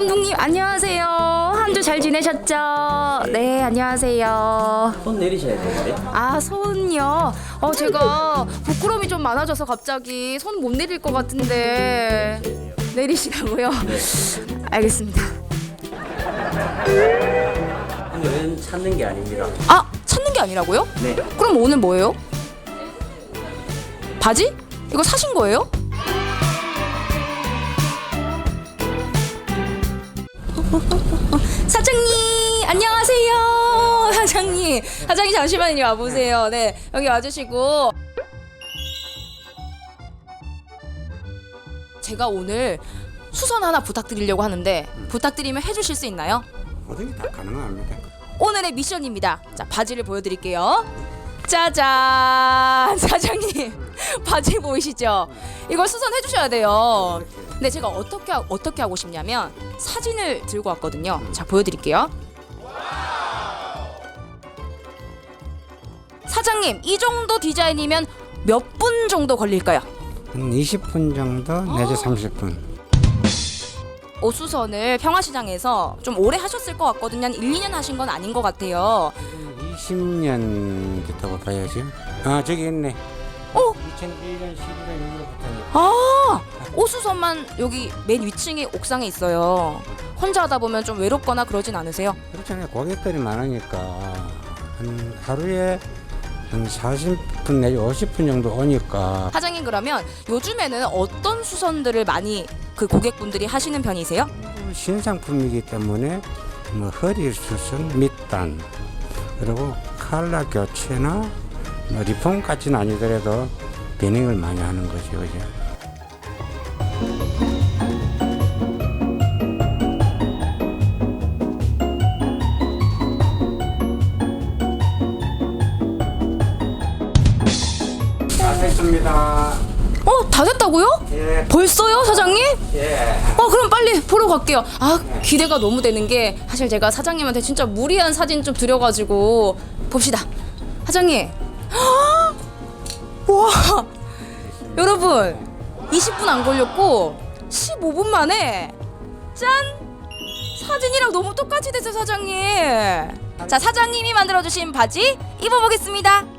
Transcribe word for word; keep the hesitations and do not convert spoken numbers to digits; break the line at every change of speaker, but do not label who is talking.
감독님 안녕하세요. 한 주 잘 지내셨죠? 네, 안녕하세요.
손 내리셔야 되는데.
아, 손요? 어, 제가 부끄러움이 좀 많아져서 갑자기 손 못 내릴 것 같은데 내리시라고요?
네.
알겠습니다.
오늘은 찾는 게 아닙니다.
아, 찾는 게 아니라고요?
네.
그럼 오늘 뭐예요? 바지? 이거 사신 거예요? 사장님 안녕하세요. 사장님 사장님 잠시만 이리 와보세요. 네, 여기 와주시고 제가 오늘 수선 하나 부탁드리려고 하는데 부탁드리면 해주실 수 있나요?
모든 게 다 가능합니다.
오늘의 미션입니다. 자, 바지를 보여드릴게요. 짜잔. 사장님 바지 보이시죠? 이거 수선해 주셔야 돼요. 근데 제가 어떻게 하- 어떻게 하고 싶냐면 사진을 들고 왔거든요. 자, 보여드릴게요. 사장님, 이 정도 디자인이면 몇 분 정도 걸릴까요?
한 이십 분 정도 내지 삼십 분.
옷 수선을 평화시장에서 좀 오래 하셨을 것 같거든요. 한 일, 이 년 하신 건 아닌 것 같아요.
이십 년 됐다고 봐야죠. 아 저기 있네.
어?
이천일 년 십일월 육일부터.
아, 옷수선만 여기 맨 위층에 옥상에 있어요. 혼자 하다 보면 좀 외롭거나 그러진 않으세요?
그렇잖아요. 고객들이 많으니까 한 하루에 한 사십 분 내지 오십 분 정도 오니까.
사장님, 그러면 요즘에는 어떤 수선들을 많이 그 고객분들이 하시는 편이세요?
신상품이기 때문에 뭐 허리 수선, 밑단, 그리고 칼라 교체나 뭐 리폼까지는 아니더라도 베닝을 많이 하는 거죠, 그죠? 다 됐습니다.
어, 다 됐다고요?
예,
벌써요, 사장님?
예.
어, 그럼 빨리 보러 갈게요. 아, 기대가 너무 되는 게 사실 제가 사장님한테 진짜 무리한 사진 좀 드려가지고 봅시다. 사장님. 와, 여러분 이십 분 안 걸렸고 십오 분 만에 짠! 사진이랑 너무 똑같이 됐어요, 사장님. 자, 사장님이 만들어주신 바지 입어보겠습니다.